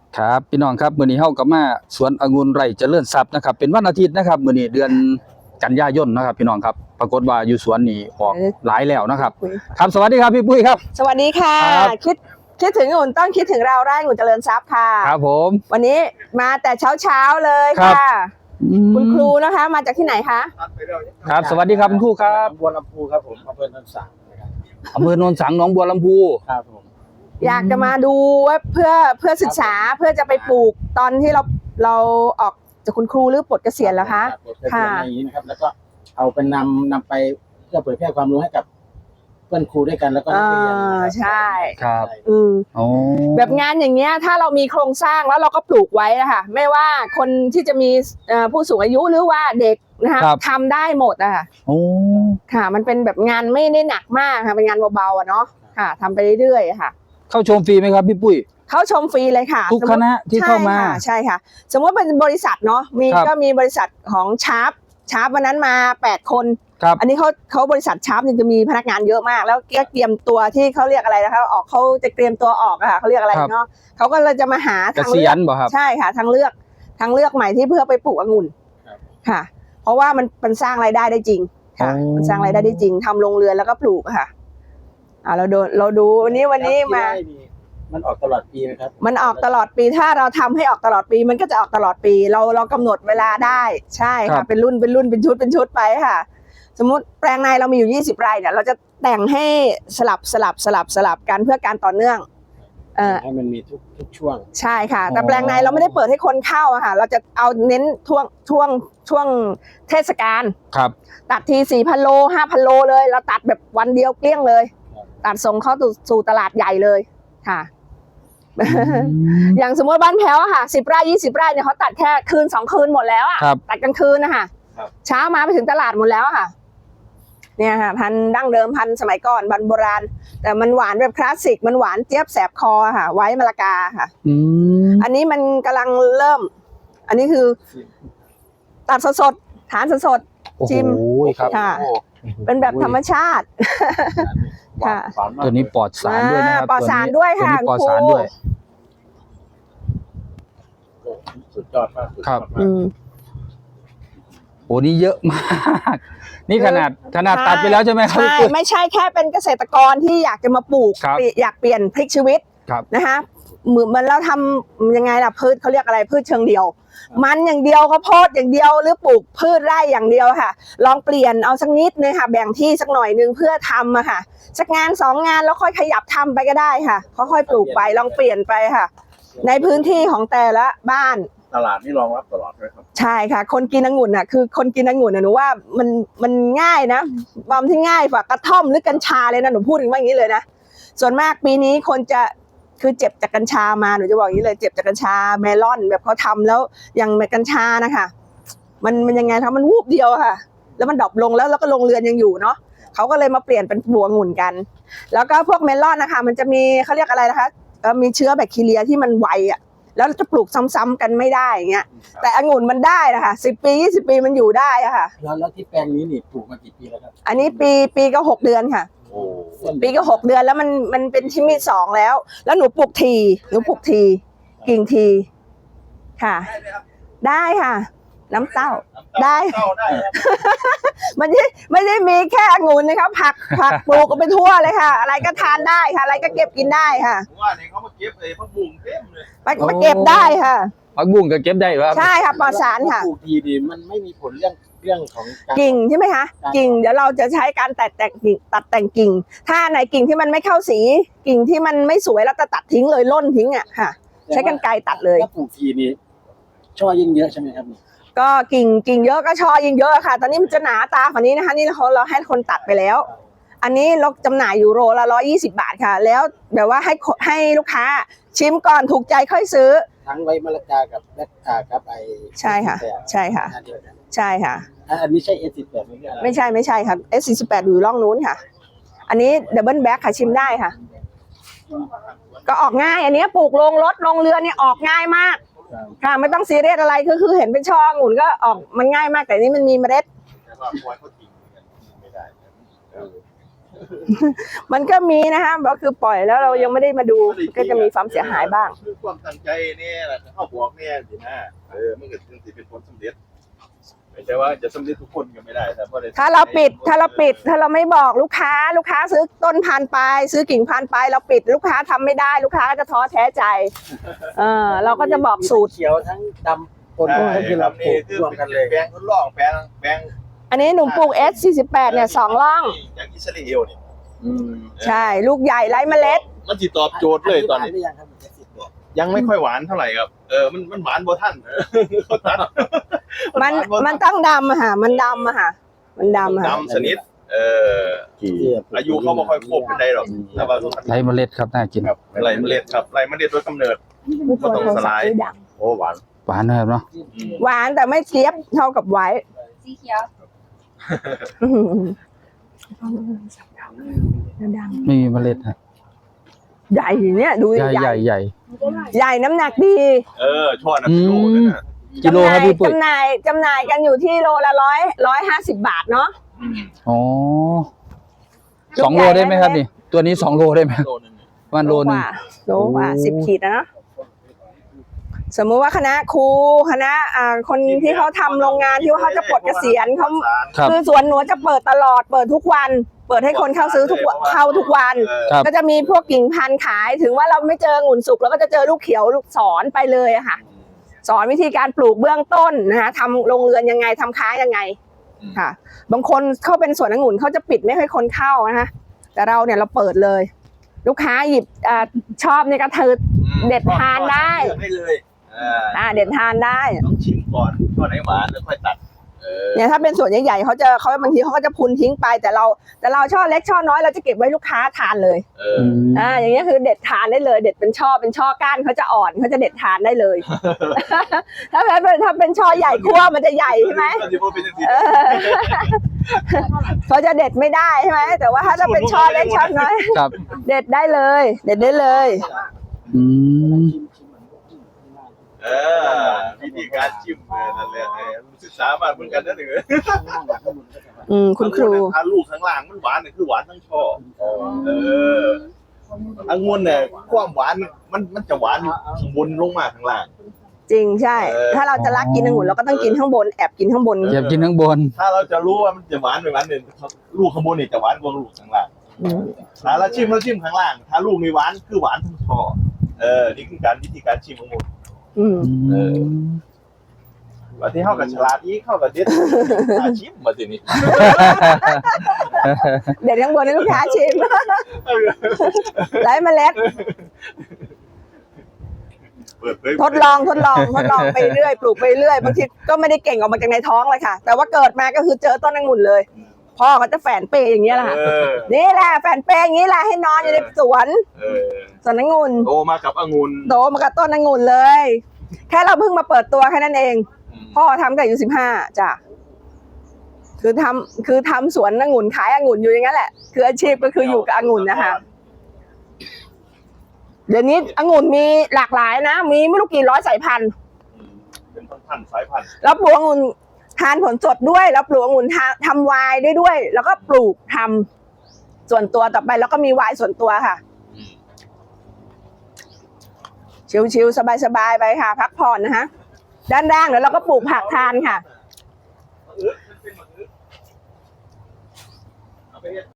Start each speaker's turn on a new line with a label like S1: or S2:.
S1: ครับพี่น้องครับมื้อนี้เฮาก็มาสวนองุ่นไร่เจริญทรัพย์นะครับเป็นวันอาทิตย์นะครับมื้อนี้เดือนกันยายนนะครับพี่น้องครับปรากฏว่าอยู่สวนนี่ออกหลายแล้วนะครับครับสวัสดีครับพี่ปุ้ยครับ
S2: สวัสดีค่ะคิดถึงองุ่นต้องคิดถึงเราไร่องุ่นเจริญทรัพย์ค่ะ
S1: ครับผม
S2: วันนี้มาแต่เช้าเลยค่ะคุณครูนะคะมาจากที่ไหนคะ
S1: ครับสวัสดีครับคุณครูครับ
S3: บัวลำพูครับผมอำเภอโนนสังนะครับ
S1: อำเภอโนนสังหนองบัวลำพู
S3: ครับผม
S2: อยากจะมาดูว่าเพื่อศึกษาเพื่อจะไปปลูกตอนที่เราออกจากคุณครูหรือปลดเกษียณแล้วคะ
S3: ค่ะอย่างนี้นะครับแล้วก็เอาเป็นนำไปเพื่อเผยแพร่ความรู้ให้กับเพื่อนครูด้วยกันแล้วก็นักเรียน
S2: ใช่
S1: ครับ
S2: แบบงานอย่างเงี้ยถ้าเรามีโครงสร้างแล้วเราก็ปลูกไว้นะคะไม่ว่าคนที่จะมีผู้สูงอายุหรือว่าเด็กนะคะทำได้หมดอะค่ะค่ะมันเป็นแบบงานไม่ได้หนักมากค่ะเป็นงานเบาๆเนาะค่ะทำไปเรื่อยๆค่ะ
S1: เข้าชมฟรีไหมครับพี่ปุ้ย
S2: เข้าชมฟรีเลยค่ะ
S1: ทุกคณะที่เข้ามา
S2: ใช่ค่ะสมมติเป็นบริษัทเนาะก็มีบริษัทของชาร์ปวันนั้นมา8 คนอันนี้เขาบริษัทชาร์ปจะมีพนักงานเยอะมากแล้วก็เตรียมตัวที่เขาเรียกอะไรนะคะออกเขาจะเตรียมตัวออกอะค่ะเขาเรียกอะไรเนาะเขาก็เลยจะมาหา
S1: ทางเลือก
S2: ใช่ค่ะทางเลือกใหม่ที่เพื่อไปปลูกองุ่นค่ะเพราะว่ามันสร้างรายได้ได้จริงค่ะมันสร้างรายได้ได้จริงทำโรงเรือนแล้วก็ปลูกค่ะเราดูวันนี้มา
S3: มันออกตลอดปีไหมครับ
S2: มันออกตลอดปีถ้าเราทำให้ออกตลอดปีมันก็จะออกตลอดปีเรากำหนดเวลาได้ใช่ค่ะเป็นรุ่นเป็นชุดไปค่ะสมมุติแปลงในเรามีอยู่20 ไร่เนี่ยเราจะแต่งให้สลับกันเพื่อการต่อเนื่อง
S3: ให้มันมีทุกช่วง
S2: ใช่ค่ะแต่แปลงในเราไม่ได้เปิดให้คนเข้าอะค่ะเราจะเอาเน้นช่วงเทศกาล
S1: ครับ
S2: ตัดที 4,000 โล 5,000 โลเลยเราตัดแบบวันเดียวเกลี้ยงเลยตัดส่งเข้าสู่ตลาดใหญ่เลยค่ะอย่างสมมติบ้านแพ้วค่ะ10 ไร่ 20 ไร่เนี่ยเขาตัดแค่คืน2 คืนหมดแล้วอ่ะตัดกลางคืนนะคะเช้ามาไปถึงตลาดหมดแล้วค่ะเนี่ยค่ะพันธุ์ดั้งเดิมพันธุ์สมัยก่อนโบราณแต่มันหวานแบบคลาสสิกมันหวานเจี๊ยบแสบคอค่ะไว้มะละกาค่ะอันนี้มันกำลังเริ่มอันนี้คือตัดสดทานสดชิมค่ะเป็นแบบธรรมชาติค่ะ
S1: ตัวนี้ปลอดสารด้วยนะครับ
S2: ปลอดสารด้วยค่ะ
S1: ปลอดสารด้วย
S3: สุดยอดมาก
S1: ครับโอ้นี่เยอะมากนี่ขนาดตัดไปแล้วใช่ไหมครับ
S2: ไม่ใช่แค่เป็นเกษตรกรที่อยากจะมาปลูกอยากเปลี่ยนพลิกชีวิตนะคะเหมือนเราทำยังไงล่ะพืชเขาเรียกอะไรพืชเชิงเดียวมันอย่างเดียวข้าวโพดอย่างเดียวหรือปลูกพืชไร่อย่างเดียวค่ะลองเปลี่ยนเอาสักนิดนึงค่ะแบ่งที่สักหน่อยนึงเพื่อทำอะค่ะสักงาน2 งานแล้วค่อยขยับทำไปก็ได้ค่ะค่อยๆปลูกไปลองเปลี่ยนไปค่ะในพื้นที่ของแต่ละบ้าน
S3: ตลาดนี่รองรับตลอดเลยครับ
S2: ใช่ค่ะคนกินองุ่นอ่ะคือคนกินองุ่นหนูว่ามันง่ายนะความที่ง่ายกว่ากระท่อมหรือกัญชาเลยนะหนูพูดถึงว่าอย่างนี้เลยนะส่วนมากปีนี้คนจะคือเจ็บจากกัญชามาหนูจะบอกอย่างนี้เลยเจ็บจากกัญชาเมลอนแบบเขาทำแล้วอย่างกัญชานะคะมันยังไงคะมันวูบเดียวค่ะแล้วมันดรอปลงแล้วก็โรงเรือนยังอยู่เนาะเขาก็เลยมาเปลี่ยนเป็นปลูกองุ่นกันแล้วก็พวกเมลอนนะคะมันจะมีเขาเรียกอะไรนะคะมีเชื้อแบคทีเรียที่มันไวอ่ะแล้วจะปลูกซ้ำๆกันไม่ได้อย่างเงี้ยแต่องุ่นมันได้นะคะ10 ปี 20 ปีมันอยู่ได้อะค่ะ
S3: แล้วที่แปลงนี้นี่ปลูกมากี่ปีแล้วครับ
S2: อันนี้ปีก็6 เดือนค่ะปีก็6 เดือนแล้วมันเป็นที่มี2แล้วหนูปลูกทีกิ่งทีค่ะได้ค่ะน้ำเต้าได้ไม่ได้มีแค่องุ่นนะคะผักปลูกกันไปทั่วเลยค่ะอะไรก็ทานได้ค่ะอะไรก็เก็บกินได้ค่ะ
S3: ว่าเนี่ยเขามาเก็บผักบุ้งเต็มเลย
S2: มาเก็บได้ค่ะ
S1: ผักบุ้งก็เก็บได้ครับ
S2: ใช่ค่ะปลอดสารค่ะ
S3: ปลูกทีดีมันไม่มีผลเรื่องของ
S2: กิ่งใช่ไหมคะกิ่งเดี๋ยวเราจะใช้การตัดแต่งกิ่งถ้าไหนกิ่งที่มันไม่เข้าสีกิ่งที่มันไม่สวยเราจะตัดทิ้งเลยล่นทิ้งอ่ะค่ะใช้กรรไกรตัดเลย
S3: ถ้าปลูกทีนี้ช่อยิ่งเยอะใช่ไหมครับ
S2: ก็กิ่งเยอะก็ช่อยิ่งเยอะค่ะตอนนี้มันจะหนาตาฝั่งนี้นะคะนี่เราให้คนตัดไปแล้วอันนี้เราจำหน่ายอยู่โลละ120 บาทค่ะแล้วแบบว่าให้ลูกค้าชิมก่อนถูกใจค่อยซื้อ
S3: ทั้งไว้มะละกากับกับไอ
S2: ใช่ค่ะใช่ค่ะใช่ค่ะ
S3: อันนี้ใช่ S18
S2: ไม่ใช่ค่ะ S48 อยู่ร่องนู้นค่ะอันนี้ดับเบิลแบ็คค่ะชิมได้ค่ะก็ออกง่ายอันนี้ปลูกลงรถลงเรือนี่ออกง่ายมากค่ะไม่ต้องซีเรียสอะไรคือเห็นเป็นช่อองุ่นก็ออกมันง่ายมากแต่นี้มันมีเมล็ดมันก็มีนะคะก็คือปล่อยแล้วเรายังไม่ได้มาดูก็จะมีความเสียหายบ้าง
S4: คือความตั้งใจเนี่ยแหละเข้าบอกเนี่ยสินะมันก็ถึงสิเป็นผลสำเร็จไม่ใช่ว่าจะสำเร็จทุกคนก็ไม่ได้แต่พอได้
S2: ถ้าเราไม่บอกลูกค้าซื้อต้นพันธุ์ไปซื้อกิ่งพันธุ์ไปเราปิดลูกค้าทำไม่ได้ลูกค้าก็จะท้อแท้ใจเราก็จะบอกสูตร
S3: เขียวทั้งดำปนกันคือเราปลูกรวมกันเลย
S4: แปลงทดลองแปลง
S2: อันนี้หนูปลูก S48 เนี่ย2ร่อง
S4: อย่างอิสราเอลนี่
S2: ใช่ลูกใหญ่ไร้เมล็ด
S4: มันสิตอบโจทย์เลยตอนนี้
S3: ยังครับ70
S4: ยังไม่ค่อยหวานเท่าไหร่ครับมันหวานบ่ท่านเขาตัด
S2: มันต้องดำอะค่ะมันดำอะค่ะมันดำอะค่ะ
S4: ดำสนิทอายุเขาไม่ค่อยครบเป็นได้หรอกแต่ว่า
S1: ไรเมล็ดครับน่ากิน
S4: ครับไรเมล็ดครับไรเมล็ดโดยกำเนิด บ่ต้องสลาย โอ้หวาน
S1: หวานนะครับเนาะ
S2: หวานแต่ไม่เจี๊ยบเท่ากับไว้
S5: สีเขียว
S1: ไม่มีเมล็ดฮะ
S2: ใหญ่เนี่ยดู
S1: ใหญ่ใหญ่ใหญ่
S2: ใหญ่น้ำหนักดี
S4: ช่อนะกิโลนั่นน่ะ
S1: กิโลครับพี่ปุ้ย
S2: จำหน่ายกันอยู่ที่โลละ150 บาทเนาะ
S1: อ๋อ2 โลได้ไหมครับนี่ ตัวนี้2 โลได้ไหม
S4: โลนึง
S1: วันโลนึง
S2: โลกว่า
S1: โอ้
S2: 10 ขีดนะเนาะสมมุติว่าคณะครูคณะคนที่เขาทำโรงงานที่ว่าเขาจะปลดเกษียณเขา
S1: ครับ
S2: คือสวนหนูจะเปิดตลอดเปิดทุกวัน เปิดให้คนเข้าซื้อทุกวันเข้าทุกวัน
S1: ครับ
S2: ก็จะมีพวกกิ่งพันธุ์ขายถึงว่าเราไม่เจอองุ่นสุกเราก็จะเจอลูกเขียวลูกสอนไปเลยอะค่ะ สอนวิธีการปลูกเบื้องต้นนะคะทำโรงเรือนยังไงทำค้ายังไงค่ะ บางคนเข้าเป็นสวนองุ่นเขาจะปิดไม่ให้คนเข้านะคะแต่เราเนี่ยเราเปิดเลย ลูกค้าหยิบชอบเนี่ยก็เธอ เด็ดทานได้
S4: เลือกได้เลย
S2: เด็ดทานได้
S4: ต้องชิมก่อนก่อนไหนหวานแล้วค่อยตัด
S2: เนี่ยถ้าเป็นส่วนใหญ่ๆเขาบางทีเขาก็จะพุนทิ้งไปแต่เราช่อเล็กช่อน้อยเราจะเก็บไว้ลูกค้าทานเลย อย่างเงี้ยคือเด็ดทานได้เลย เด็ดเป็นช่อก้านเขาจะอ่อนเขาจะเด็ดทานได้เลย ถ้าเป็นช่อใหญ่คั่วมันจะใหญ่ใช่ไหมเขาจะเด็ดไม่ได้ใช่ไหมแต่ว่าถ้าจะเป็นช่อเล็กช่อน้อย
S1: ครับ
S2: เด็ดได้เลย เด็ดได้เลย
S1: อืม
S4: วิธีการชิมนั่นแหละศึกษามาเหมือนกันนะหนึ่ง
S2: คุณครู
S4: ถ้าลูกข้างล่างมันหวานเนี่ยคือหวานทั้งช่อองุ่นเนี่ยความหวานมันจะหวานข้างบนลงมาข้างล่าง
S2: จริงใช่ ถ้าเราจะรักกินองุ่นเราก็ต้องกินข้างบนแอบกินข้างบน
S1: เก็บกินข้างบน
S4: ถ้าเราจะรู้ว่ามันจะหวานไม่หวานเนี่ยลูกข้างบนเนี่ยจะหวานกว่าลูกข้างล่างถ้าเราชิมข้างล่าง ถ้าลูกไม่หวานคือหวานทั้งช่อนี่คือวิธีการชิมองุ่นว่าที่เข้ากับฉลาดอีเข้ากับเด็ดชิมมาทีนี้
S2: เด็ดข้างบนให้ลูกค้าชิมไร้เมล็ด ทดลองไปเรื่อยปลูกไปเรื่อยบางทีก็ไม่ได้เก่งออกมาจากในท้องเลยค่ะ แต่ว่าเกิดมาก็คือเจอต้นองุ่นเลยพ่อเขาจะแฝนเปอย่างเงี้ยแหละค่ะนี่แหละแฝนเปอย่างนี้แหละให้นอนอยู่ในสวนองุ่น
S4: โตมากับองุ่น
S2: โตมากับต้นองุ่นเลย แค่เราเพิ่งมาเปิดตัวแค่นั้นเองพ่อทำกับอายุ15จ้ะคือทำสวนองุ่นขายองุ่นอยู่อย่างนั้นแหละคืออาชีพก็คืออยู่กับองุ่นนะคะเดี๋ยวนี้องุ่นมีหลากหลายนะมีไม่รู้กี่ร้อยสายพันธุ์
S4: เป็นพันสายพันธุ์
S2: แล้วปลูกองุ่นทานผลสดด้วยแล้วปลูกองุ่นทำไวน์ได้ด้วย แล้วก็ปลูกทำส่วนตัวต่อไปแล้วก็มีไวน์ส่วนตัวค่ะชิวๆสบายๆไปค่ะ พักผ่อนนะคะด้านล่างเดี๋ยวเราก็ปลูกผักทานค่ะ